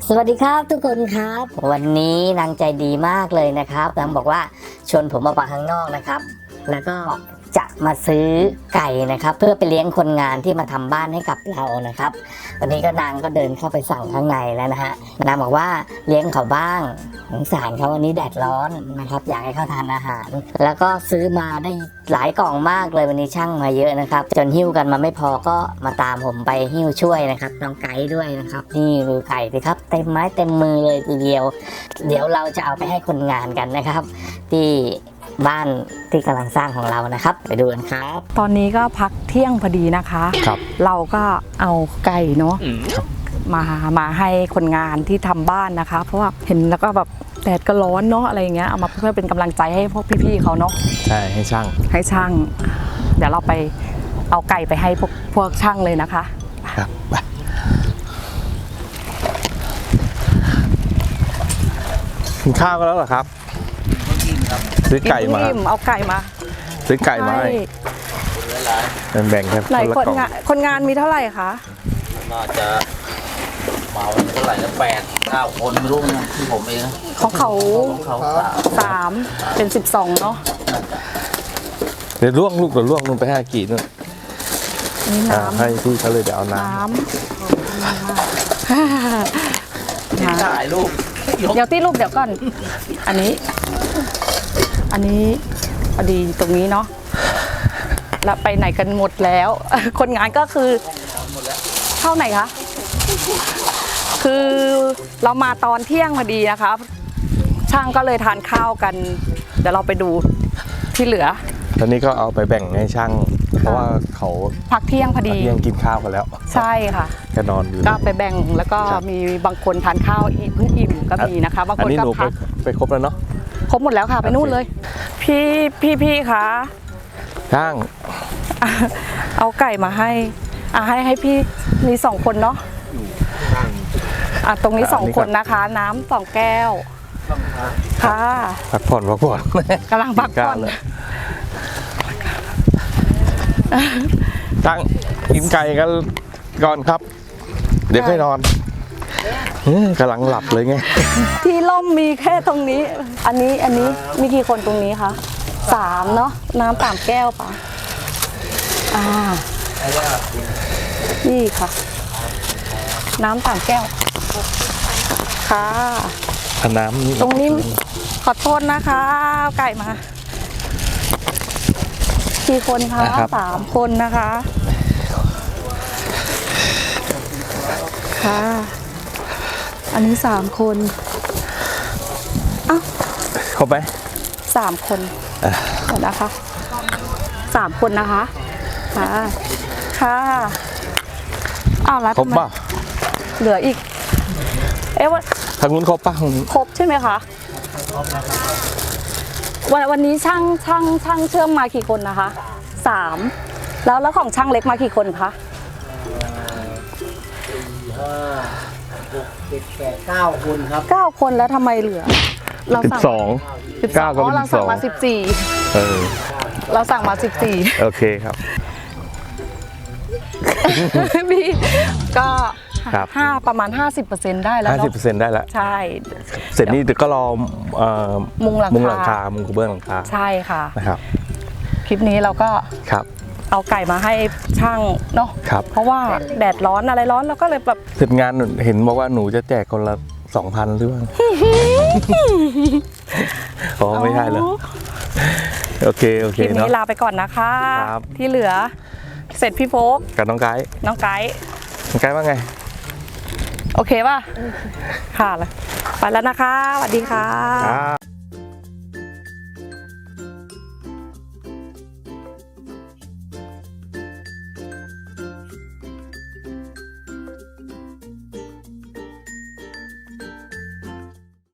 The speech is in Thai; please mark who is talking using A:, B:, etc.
A: สวัสดีครับทุกคนครับวันนี้นางใจดีมากเลยนะครับนางบอกว่าชวนผมออกมาข้างนอกนะครับแล้วก็จะมาซื้อไก่นะครับเพื่อไปเลี้ยงคนงานที่มาทำบ้านให้กับเรานะครับวันนี้ก็นางก็เดินเข้าไปสั่งข้างในแล้วนะฮะนางบอกว่าเลี้ยงเขาบ้างสงสารเขาวันนี้แดดร้อนนะครับอยากให้เขาทานอาหารแล้วก็ซื้อมาได้หลายกล่องมากเลยวันนี้ช่างมาเยอะนะครับจนหิ้วกันมาไม่พอก็มาตามผมไปหิ้วช่วยนะครับน้องไก่ด้วยนะครับนี่ดูไก่สิครับเต็มไม้เต็มมือเลยทีเดียวเดี๋ยวเราจะเอาไปให้คนงานกันนะครับที่บ้านที่กำลังสร้างของเรานะครับไปดูกันครับ
B: ตอนนี้ก็พักเที่ยงพอดีนะคะ
C: ครับ
B: เราก็เอาไก่เนาะมาให้คนงานที่ทำบ้านนะคะเพราะว่าเห็นแล้วก็แบบแดดก็ร้อนเนาะอะไรอย่างเงี้ยเอามาเพื่อเป็นกำลังใจให้พวกพี่ๆเขาเนาะ
C: ใช่ให้ช่าง
B: เดี๋ยวเราไปเอาไก่ไปให้พวกช่างเลยนะคะ
C: ครับกินข้าวกันแล้วเหรอครับซื้อไก่มา
B: เอาไก่มา
C: ซื้อไก่มาแบ่งกัน
B: คนงานมีเท่าไหร่คะ
D: น่าจะมาวันเท่าไหร่นะ8-9 คนไม่รู้นะที่ผมเองนะ
B: ของเขา3เป็น12เนาะ
C: เดี๋ยวล่วงลงไปให้กี่นู่น
B: นี่น้ำ
C: ให้พี่เขาเลยเดี๋ยวเอาน้
D: ำถ่ายรูป
B: เดี๋ยวที่รูปเดี๋ยวก่อนอันนี้พอดีตรงนี้เนาะแล้วไปไหนกันหมดแล้วคนงานก็คือเท่าไหนคะคือเรามาตอนเที่ยงพอดีนะคะช่างก็เลยทานข้าวกันเดี๋ยวเราไปดูที่เหลือ
C: ตอนนี้ก็เอาไปแบ่งให้ช่างเพราะว่าเขา
B: พักเที่ยงพอดี
C: กินข้าวกันแล้ว
B: ใช่ค่ะ
C: ก็นอนอยู่
B: ก็ไปแบ่งแล้วก็มีบางคนทานข้าวเพิ่งอิ่มก็มีนะคะบางคนก็พัก
C: ไปครบแล้วเนาะ
B: ครบหมดแล้วค่ะไปนู่นเลยพี่คะ
C: ช่าง
B: เอาไก่มาให้พี่มี2 คนเนาะตรงนี้2 คนนะคะน้ำ2 แก้วค่ะ
C: พักผ่อน
B: กำลังพักผ่อน
C: ช่างกินไก่กันก่อนครับเดี๋ยวค่อยนอนกำลังหลับเลยไง
B: ที่ล่มมีแค่ตรงนี้อันนี้มีกี่คนตรงนี้คะ3เนาะน้ำ3 แก้วป่ะนี่ค่ะน้ำ3 แก้วค่ะ
C: น้ำ
B: ตรงนี้ขอโทษนะคะเอาไก่มากี่คนคะ3 คนนะคะค่ะอันนี้3 คน
C: ครบไหม
B: 3 คนเดี๋ยวนะคะ3 คนนะคะค่ะแล้ว
C: ครบป่ะ
B: เหลืออีกว่า
C: ทางนู้นครบป่ะ
B: ครบใช่ไหมคะวันนี้ช่างเชื่อมมากี่คนนะคะ3แล้วของช่างเล็กมากี่คนคะ
D: 9 คนครับ
B: 9 คนแล้วทำไมเหลือ
C: เราสั่ง9ก็เป็น12
B: เราสั่งมา14เราสั่งมา14
C: โอเคครับ
B: พี่ก็ประมาณ 50% ได้แล้ว
C: 50%ได้แล้ว
B: ใช่
C: เสร็จนี่ก็รอ
B: มุงหลังคา
C: มุงกระเบื้องหลังคา
B: ใช่ค่ะ
C: นะครับ
B: คลิปนี้เราก็เอาไก่มาให้ช่างเนาะเพราะว่าแดดร้อนอะไรร้อนเราก็เลยแบบ
C: เสร็จงานเห็นบอกว่าหนูจะแจกคนละ 2,000 หรือเปล่าไม่ใช่แล้วโอเค
B: คลิปนี้ลาไปก่อนนะคะที่เหลือเสร็จพี่โฟก
C: กับน้องไก่ว่าไง
B: โอเคป่ะค่ะไปแล้วนะคะสวัสดีค่ะ